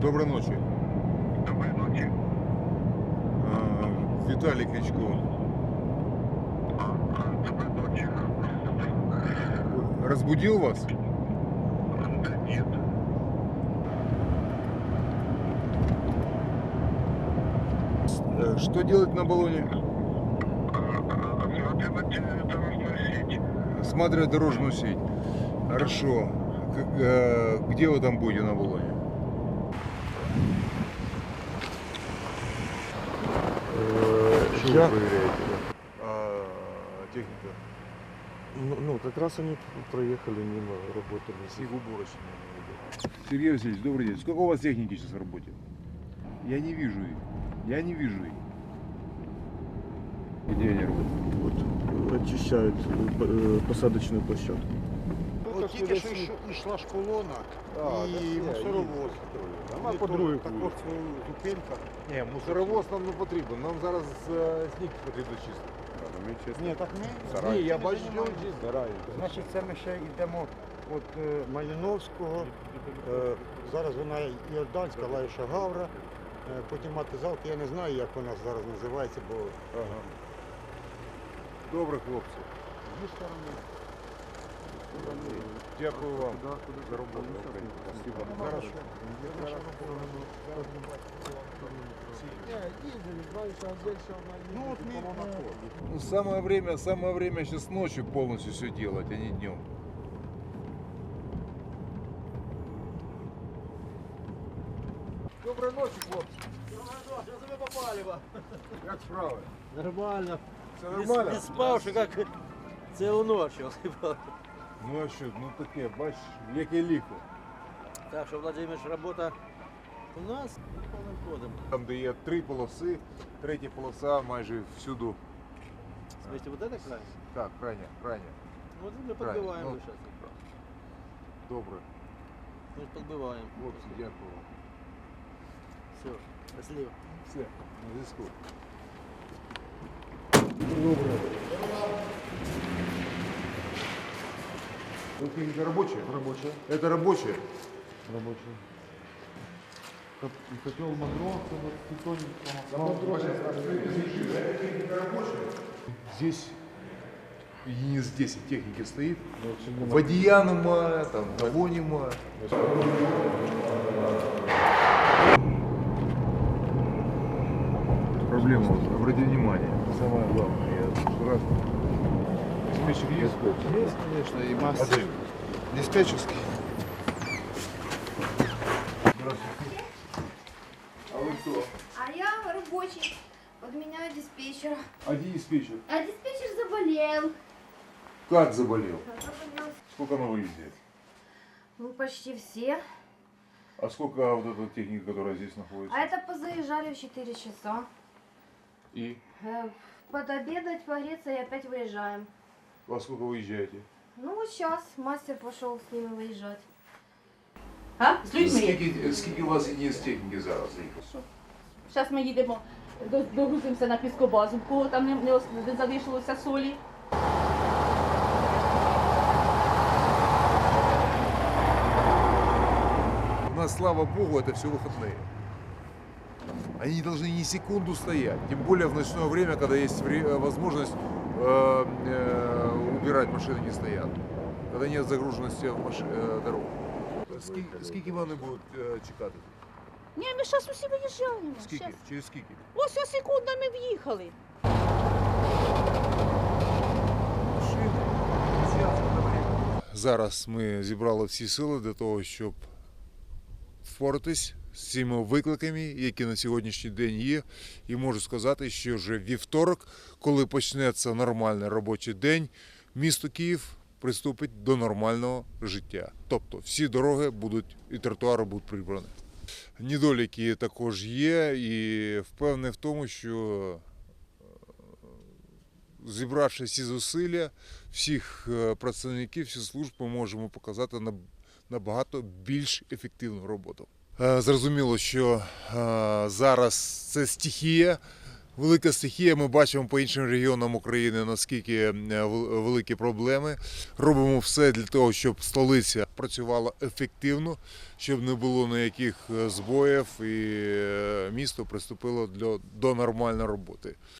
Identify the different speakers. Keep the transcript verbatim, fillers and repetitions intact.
Speaker 1: Доброй ночи.
Speaker 2: Доброй ночи.
Speaker 1: А, Виталий Кличко.
Speaker 2: А, а, Доброй ночи.
Speaker 1: Разбудил вас?
Speaker 2: Да нет.
Speaker 1: Э, Что делать на баллоне?
Speaker 2: Смотрим дорожную сеть.
Speaker 1: Осматривать дорожную сеть. Хорошо. Как, э, где вы там будете на баллоне? Что
Speaker 3: Я-
Speaker 1: вы проверяете? А, техника.
Speaker 3: Ну, ну, как раз они проехали мимо, работали.
Speaker 1: Снегоуборочная. Сергей Васильевич, добрый день. Сколько у вас техники сейчас в работе? Я не вижу их. Я не вижу их. Где они работают?
Speaker 3: Вот, очищают э, посадочную площадку.
Speaker 4: От тільки що йш- йшла ж колона і мусоровоз.
Speaker 1: Вона по другій
Speaker 4: Також
Speaker 1: вулиці.
Speaker 4: зупинка.
Speaker 1: Ні, мусоровоз нам не потрібен. Нам зараз е, сніг потрібно чистити.
Speaker 4: Ні, так ми.
Speaker 1: Ні, я
Speaker 4: ми
Speaker 1: бачу, що він
Speaker 4: займаємося.
Speaker 1: чистить.
Speaker 4: Значить, це ми ще йдемо від е, Малиновського. Е, зараз вона Іорданська, Лаїша Гавра. Е, потім Матизалка. Я не знаю, як вона зараз називається, бо
Speaker 1: Ага. Добре, хлопці.
Speaker 4: зі сторони.
Speaker 1: Дякую вам за роботу. Спасибо.
Speaker 4: Хорошо. Ну, от ми, е,
Speaker 1: Ну, самое время, самое время сейчас ночью полностью все делать, а не днем. Доброй ночи, хлопці.
Speaker 5: Що тебе попалива?
Speaker 1: Як справи?
Speaker 5: Нормально.
Speaker 1: Все
Speaker 5: Не,
Speaker 1: нормально?
Speaker 5: не спав, що як цілу ніч.
Speaker 1: Ну а що, ну таке, бач, яке ліхо.
Speaker 5: Так що, Владимир, робота у нас повним ходом.
Speaker 1: Там, де є три полоси, третя полоса майже всюду.
Speaker 5: Смотрите, вот это край?
Speaker 1: Так, крайня, крайня.
Speaker 5: Ну, вот мы
Speaker 1: Правильно.
Speaker 5: подбиваем
Speaker 1: Ну,
Speaker 5: сейчас.
Speaker 1: Добре.
Speaker 5: Мы подбиваем.
Speaker 1: Хлопці, дякую.
Speaker 5: Все, счастливо.
Speaker 1: Все, на зв'язку. Добре. Это рабочая?
Speaker 3: Рабочая.
Speaker 1: Это рабочая?
Speaker 3: Рабочая. Котел Магро,
Speaker 1: Здесь единиц десять техники стоит. Водия нема, там, того нема. Проблема, вот, обрати внимание, самое главное, я в раз диспетчер есть?
Speaker 4: Есть, конечно, и масса. Диспетчерский.
Speaker 1: Здравствуйте. А вы кто?
Speaker 6: А я рабочий. Подменяю диспетчера.
Speaker 1: А где диспетчер?
Speaker 6: А диспетчер заболел.
Speaker 1: Как заболел?
Speaker 6: Заболел.
Speaker 1: Сколько на выезде?
Speaker 6: Ну, почти все.
Speaker 1: А сколько вот эта техника, которая здесь находится?
Speaker 6: А это позаезжали в четыре часа.
Speaker 1: И?
Speaker 6: Э, Подобедать, погреться и опять выезжаем.
Speaker 1: Во сколько выезжаете?
Speaker 6: Ну, вот сейчас мастер пошел с ними выезжать.
Speaker 7: А? З людьми.
Speaker 1: Скільки, скільки у вас единиц техніки зараз?
Speaker 7: Зараз ми їдемо, до- догрузимося на піскобазу, в кого там не, не, ос- не залишилося солі.
Speaker 1: У нас, слава богу, это все выходные. Они не должны ни секунду стоять. Тем более в ночное время, когда есть вре- э, возможность э, э, убирать, машины не стоят. Когда нет загруженности в маш... э, дорог. Скільки, скільки вони будуть е, чекати?
Speaker 7: Ні, ми зараз усі виїжджаємо.
Speaker 1: Скільки?
Speaker 7: Щас.
Speaker 1: Через скільки?
Speaker 7: Ось ось секунда ми в'їхали.
Speaker 1: Зараз ми зібрали всі сили для того, щоб впоратись з цими викликами, які на сьогоднішній день є. І можу сказати, що вже вівторок, коли почнеться нормальний робочий день, місто Київ приступить до нормального життя. Тобто всі дороги будуть і тротуари будуть прибрані. Недоліки також є, і впевнений в тому, що зібравши всі зусилля, всіх е, працівників, всіх служб, ми можемо показати на- набагато більш ефективну роботу. Е, Зрозуміло, що е, зараз це стихія, Велика стихія, ми бачимо по іншим регіонам України, наскільки е, вел- великі проблеми. Робимо все для того, щоб столиця працювала ефективно, щоб не було ніяких е, збоїв і е, місто приступило до, до нормальної роботи.